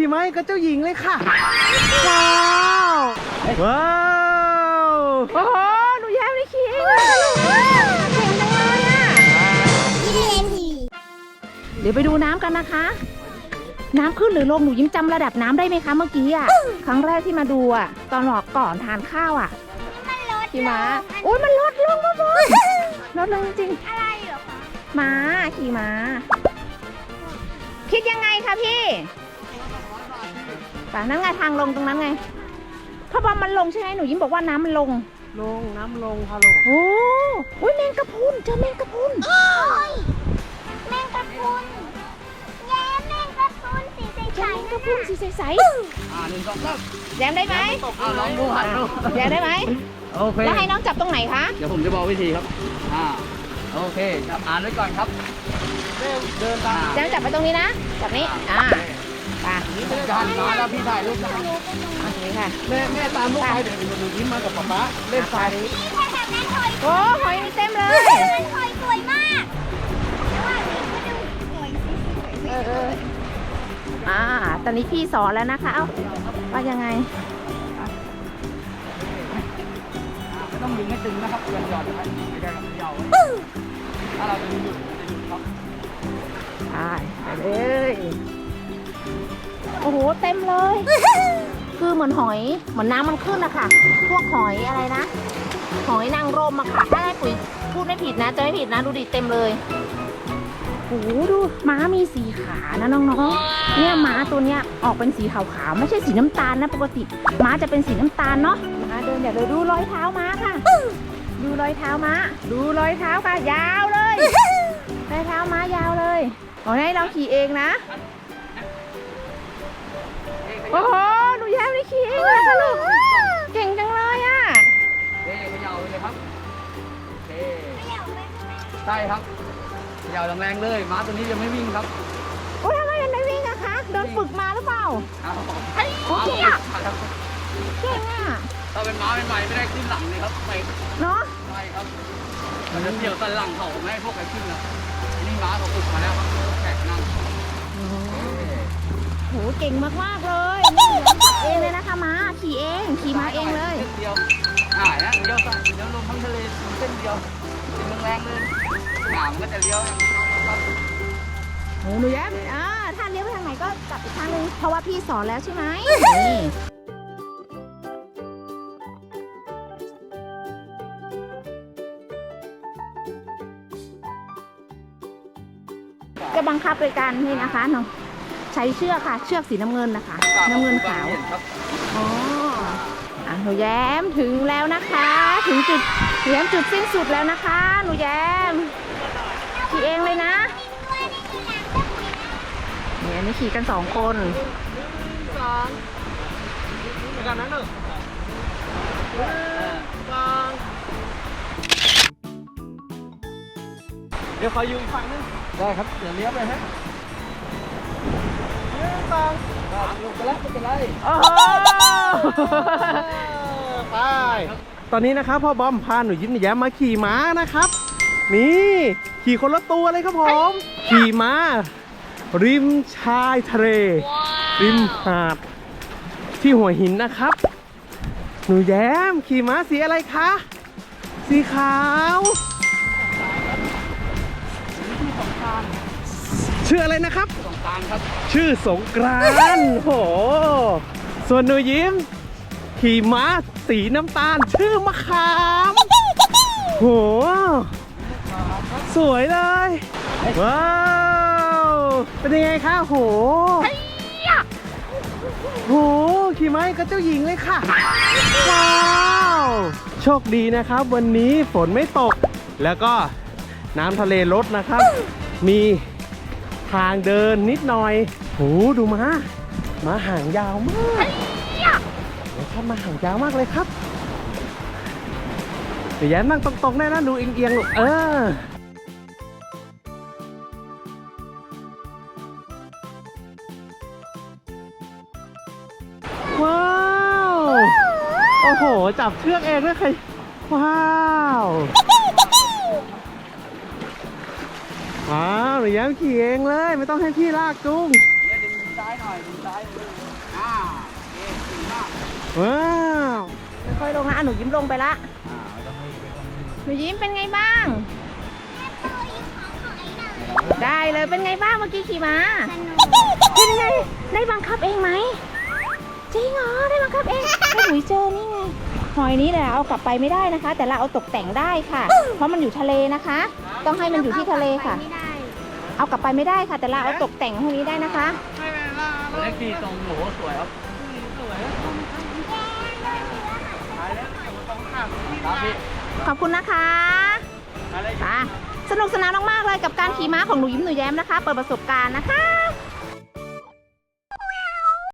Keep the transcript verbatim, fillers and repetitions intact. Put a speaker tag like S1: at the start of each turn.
S1: ขี่ม้ากับเจ้าหญิงเลยค่ะว้าวว้าวโอ้โหหนูแย้มได้ขี่เองเลยเก่งจังเลยอ่ะเดี๋ยวไปดูน้ำกันนะคะน้ำขึ้นหรือลงหนูยิ้มจำระดับน้ำได้ไหมคะเมื่อกี้อ่ะครั้งแรกที่มาดูอ่ะตอนหลอกก่อนทานข้าวอ่ะขี่ม้าโอ้ยมันลดลงมาบนลดลงจริงอะไรเหรอคะม้าขี่ม้าคิดยังไงคะพี่ป่ะนั่นไงทางลงตรงนั้นไงพ่อบอมมันลงใช่ไหมหนูยิ้มบอกว่าน้ำมันลง
S2: ลงน้ำลงค่ะลง
S1: โอ้โหแมงกะพรุนเจอแมงกะพรุน
S3: แมงกะพรุนแย้มแมงกะพรุนสีใสๆ
S1: แมงกะพรุนสีใสๆ
S2: อ่าหนึ่งสองสาม
S1: แย้มได้ไหม
S2: อ่าลองดูหันดู
S1: แย้มได้ไหม
S2: โอเค
S1: แล้วให้น้องจับตรงไหนคะ
S2: เดี๋ยวผมจะบอกวิธีครับอ่าโอเคจับอ่านไว้ก่อนครับเดินตาม
S1: แย้มจับไปตรงนี้นะจับนี้อ่าป่ะ
S2: นี่เป็นการมาแล้วพี่ถ่ายรูปนะ
S1: นี่ค่ะ
S2: แม่แม่ตามลูกไปเดี๋ยวดูยิ้มมากับป๊าป๊าเล่นทรายนี้
S1: โอ้หอยมีเต็มเลย
S3: หอยสวยมากแล้วว่านี่ก็ดูหอยสวย
S1: เอออ่าตอนนี้พี่สอนแล้วนะคะเอ้าว่ายังไง
S2: ไม่ต้องดึงให้ตึงนะครับหย่อนหย่อนนะครับไม่ได้กับเยาถ้าเราดึงหยุดจะหยุดครับ
S1: ไปไปเลยโอ้โหเต็มเลย คือเหมือนหอยเหมือนน้ำมันขึ้นนะคะพวกหอยอะไรนะหอยนางรมอะค่ะถ้าให้ปุ๋ยพูดไม่ผิดนะจะไม่ผิดนะดูดิเต็มเลยโอ้โหดูม้ามีสีขานะน้องๆเนี่ยม้าตัวเนี้ยออกเป็นสีขาวๆไม่ใช่สีน้ำตาลนะปกติม้าจะเป็นสีน้ำตาลเนาะม้าเดินอย่าเลยดูรอยเท้าม้าค่ะดูรอยเท้าม้าดูรอยเท้าค่ะยาวเลยรอยเท้าม้ายาวเลยขอให้เราขี่เองนะโอ้โหหนูแย้มได้ขี่เองเลยค่ะลูกเก่งจังเลยอ่ะ
S2: เฮ้ยขย่าเลยครับเฮ้ใช่ครับขย่าแรงๆเลยม้าตัวนี้จะไม่วิ่งครับ
S1: โอ้ยทำไมมันไม่วิ่งอะคะโดนฝึกมาหรือเปล่าโอเคอะเก่งอะ
S2: ถ้าเป็นม้าเป็นใหม่ไม่ได้ขึ้นหลังเลยครับไป
S1: เนาะ
S2: ใช่ครับมันจะเดี่ยวตันหลังเขาไม่ให้พวกใครขึ้นนะนี่ม้าเขาฝึกมาแล้วครับแขกนั่ง
S1: โหเก่งมากๆเลยนี่ขับเองเลยนะคะม้าขี่เองขี่ม้าเองเลย
S2: เดียวอ่านะเลี้ยวซ้ายเลี้ยวลงทั้งทะเลเส้นเดียวเป็นแรงเลยหนามก็จะเลี้ยว
S1: โอ้หนูแย้มอ่าถ้าเลี้ยวไปทางไหนก็กลับอีกทางนึงเพราะว่าพี่สอนแล้วใช่ไหมนี่จะบังคับโดยการนี่นะคะน้องใช้เชือกค่ะเชือกสีน้ำเงินนะคะน้ำเงินขาวอ๋ออ่ะหนูแย้มถึงแล้วนะคะถึงจุดหนูแย้มจุดสิ้นสุดแล้วนะคะหนูแย้มขี่เองเลยนะเนี่ยนี่ขี่กันสองคน
S2: สองไปกันนั้นหนึ่งสองเดี๋ยวคอยอยู่อีกฝั่งนึงได้ครับเดี๋ยวเลี้ยวไปฮะลงไปแล้วไม่เป็นไร
S1: โอ้
S2: ไป
S1: ตอนนี้นะครับพ่อบอมพาหนูยิ้มหนูแย้มมาขี่ม้านะครับนี่ขี่คนละตัวเลยครับผมขี่ม้าริมชายทะเลริมหาดที่หัวหินนะครับหนูแย้มขี่ม้าสีอะไรคะสีขาวชื่ออะไรนะครับ
S2: สงกรานต์ครับ
S1: ชื่อสงกรานต์โหส่วนหนูยิ้มขี่ม้าสีน้ำตาลชื่อมะขามโหสวยเลยว้าวเป็นยังไงคะโหโหขี่ม้ากับเจ้าหญิงเลยค่ะว้าวโชคดีนะครับวันนี้ฝนไม่ตกแล้วก็น้ำทะเลลดนะครับมีทางเดินนิดหน่อยโหดูม้าม้าหางยาวมากนะครับม้าหางยาวมากเลยครับเดี๋ยวแย้มนั่งตรงๆได้นะดูเอียงๆลูกเออว้าวโอ้โหจับเชือกเองด้วยใครว้าวว้าวหนูแย้มขี่เองเลยไม่ต้องให้พี่ลากจุง
S2: เนี่ยดึงซ้ายหน่อยดูซ้ายเลยอ่าเอ๊ะดีมาก
S1: ว้าวค่อยๆลงนะอ่ะหนูยิ้มลงไปละ
S2: อ่าไม่ต้องให้ไม่ต้องให้
S1: หนูยิ้มเป็นไงบ้าง
S3: แม่ตัวอีกของหอยหน่อย
S1: ได้เลยเป็นไงบ้างเมื่อกี้ขี่ม้า
S3: สนุก
S1: เป็นไงได้บังคับเองไหมจริงเหรอได้บังคับเองให้หนูเจอนี่ไงหอยนี้แหละเอากลับไปไม่ได้นะคะ แต่เราเอาตกแต่งได้ค่ะ เพราะมันอยู่ทะเลนะคะ ต้องให้มันอยู่ที่ทะเลค่ะ
S3: ไม่ได้
S1: เอากลับไปไม่ได้ค่ะ แต่เราเอาตกแต่งพวกนี้ได้นะคะ
S2: ตัวเล็กดีตรงโหสวยครับครับพี่
S1: ขอบคุณนะคะไปสนุกสนานมากๆเลยกับการขี่ม้าของหนูยิ้มหนูแย้มนะคะ เปิดประสบการณ์นะคะ